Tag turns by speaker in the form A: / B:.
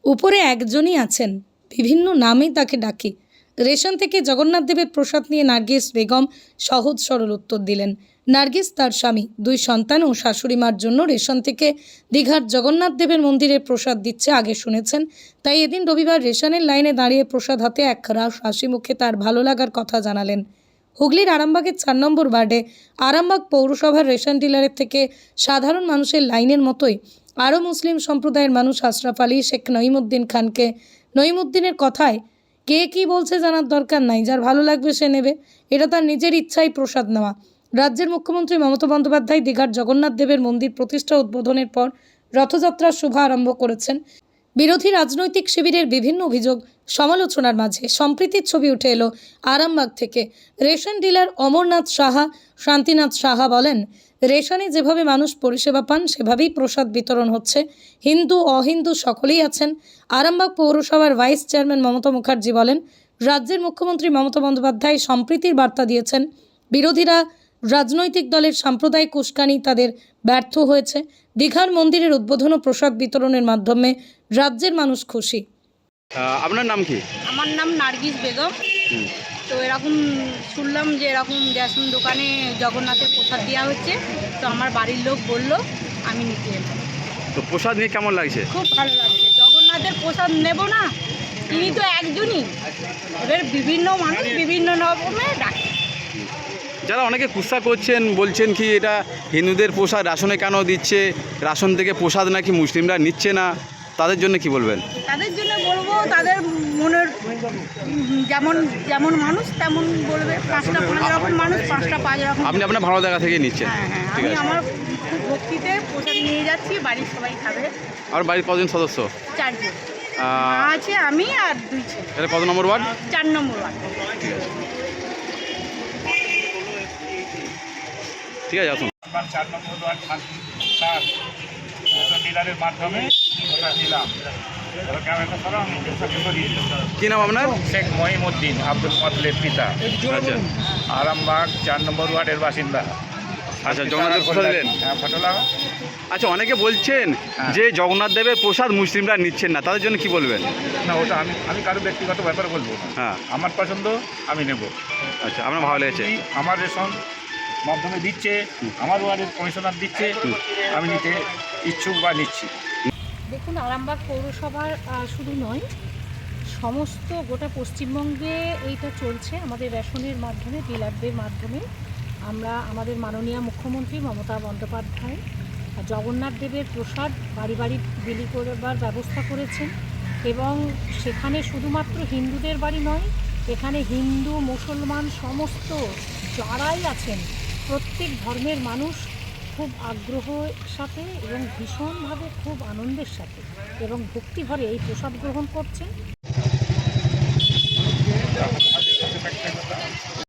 A: উপরে একজনই আছেন, বিভিন্ন নামে তাকে ডাকি। রেশন থেকে জগন্নাথ দেবের প্রসাদ নিয়ে নার্গিস বেগম সহজ সরল উত্তর দিলেন। নার্গিস, তার স্বামী, 2 সন্তান ও শাশুড়ি মার জন্য রেশন থেকে দীঘার জগন্নাথ দেবের মন্দিরে প্রসাদ দিচ্ছে আগে শুনেছেন, তাই এদিন রবিবার রেশনের লাইনে দাঁড়িয়ে প্রসাদ হাতে এক রাশ হাসি মুখে তার ভালো লাগার কথা জানালেন। হুগলির আরামবাগের 4 নম্বর ওয়ার্ডে আরামবাগ পৌরসভার রেশন ডিলারের থেকে সাধারণ মানুষের লাইনের মতোই আরও মুসলিম সম্প্রদায়ের মানুষ আশরাফ আলী, শেখ নঈমুদ্দিন খানকে নঈমুদ্দিনের কথায় কে কী বলছে জানার দরকার নাই, যার ভালো লাগবে সে নেবে, এটা তার নিজের ইচ্ছাই প্রসাদ নেওয়া। রাজ্যের মুখ্যমন্ত্রী মমতা বন্দ্যোপাধ্যায় দীঘার জগন্নাথ দেবের মন্দির প্রতিষ্ঠা উদ্বোধনের পর রথযাত্রার শুভ আরম্ভ করেছেন। বিরোধী রাজনৈতিক শিবিরের বিভিন্ন অভিযোগ সমালোচনার মাঝে সম্প্রীতির ছবি উঠে এলো আরামবাগ থেকে। রেশন ডিলার অমরনাথ সাহা, শান্তিনাথ সাহা বলেন, রেশনে যেভাবে মানুষ পরিষেবা পান সেভাবেই প্রসাদ বিতরণ হচ্ছে। হিন্দু অহিন্দু সকলেই আছেন। আরামবাগ পৌরসভার ভাইস চেয়ারম্যান মমতা মুখার্জি বলেন, রাজ্যের মুখ্যমন্ত্রী মমতা বন্দ্যোপাধ্যায় সম্প্রীতির বার্তা দিয়েছেন। বিরোধীরা রাজনৈতিক দলের সাম্প্রদায়িক উস্কানি তাদের ব্যর্থ হয়েছে। দীঘার মন্দিরের উদ্বোধন ও প্রসাদ বিতরণের মাধ্যমে রাজ্যের মানুষ খুশি।
B: আপনার নাম কি?
C: আমার নাম নার্গিস বেগম। তো এরকম শুনলাম যে এরকম রেশন দোকানে জগন্নাথের প্রসাদ দেওয়া হচ্ছে, তো আমার বাড়ির লোক বলল, আমি নিতে এলাম।
B: তো প্রসাদ নিয়ে কেমন লাগছে?
C: খুব ভালো লাগছে। জগন্নাথের প্রসাদ নেব না, তিনি তো একজনই, এবার বিভিন্ন মানুষ বিভিন্ন রকমে ডাকে।
B: যারা অনেকে কুৎসা করছেন, বলছেন কি এটা হিন্দুদের প্রসাদ রাশনে কেন দিচ্ছে, রাশন থেকে প্রসাদ নাকি মুসলিমরা নিচ্ছে না, তাদের জন্য কি বলবেন?
C: তাদের জন্য বলবো, তাদের মনের যেমন যেমন মানুষ তেমন বলবে। 5 রকম মানুষ, 5 রকম।
B: আপনি আপনার ভালো জায়গা থেকে নিচ্ছেন?
C: হ্যাঁ,
B: ঠিক
C: আমি
B: আছে।
C: আমার খুব ভক্তিতে প্রসাদ নিয়ে যাচ্ছি, বাড়ির সবাই খাবে।
B: আর বাড়ির কজন সদস্য?
C: 4 জন। মা আছে, আমি আর 2 ছেলে।
B: এটা কত নম্বর ওয়ার্ড?
C: 4 নম্বর ওয়ার্ড।
B: ঠিক আছে, আসুন।
D: 4 নম্বর ওয়ার্ড স্যার ডিলারের মাধ্যমে ওটা নিলাম।
B: কি নাম আপনার?
D: শেখ মঈমুদ্দিন আব্দুল মতলেব পিতা।
B: আচ্ছা
D: আরামবাগ 4 নম্বর ওয়ার্ডের বাসিন্দা।
B: আচ্ছা, জগন্নাথ প্রসাদ দিলেন?
D: হ্যাঁ, ফটো লাগা।
B: আচ্ছা, অনেকে বলছেন যে জগন্নাথ দেবের প্রসাদ মুসলিমরা নিচ্ছেন না, তাদের জন্য কি বলবেন?
D: না, ওটা আমি কারো ব্যক্তিগত ব্যাপারে বলবো না।
B: হ্যাঁ,
D: আমার পছন্দ, আমি নেব।
B: আচ্ছা, আপনার ভালো লেগেছে?
D: আমার রেশন মাধ্যমে দিচ্ছে, আমার ওয়ার্ডের কমিশনার দিচ্ছে, আমি নিতে ইচ্ছুক বা নিচ্ছি।
E: দেখুন, আরামবাগ পৌরসভার শুধু নয়, সমস্ত গোটা পশ্চিমবঙ্গে এইটা চলছে। আমাদের রেশনের মাধ্যমে, ডিলারদের মাধ্যমে আমরা আমাদের মাননীয় মুখ্যমন্ত্রী মমতা বন্দ্যোপাধ্যায় জগন্নাথ দেবের প্রসাদ বাড়ি বাড়ি বিলি করবার ব্যবস্থা করেছেন। এবং সেখানে শুধুমাত্র হিন্দুদের বাড়ি নয়, এখানে হিন্দু মুসলমান সমস্ত যারাই আছেন, প্রত্যেক ধর্মের মানুষ খুব আগ্রহের সাথে এবং ভীষণভাবে খুব আনন্দের সাথে এবং ভক্তিভরে এই প্রসাদ গ্রহণ করছেন।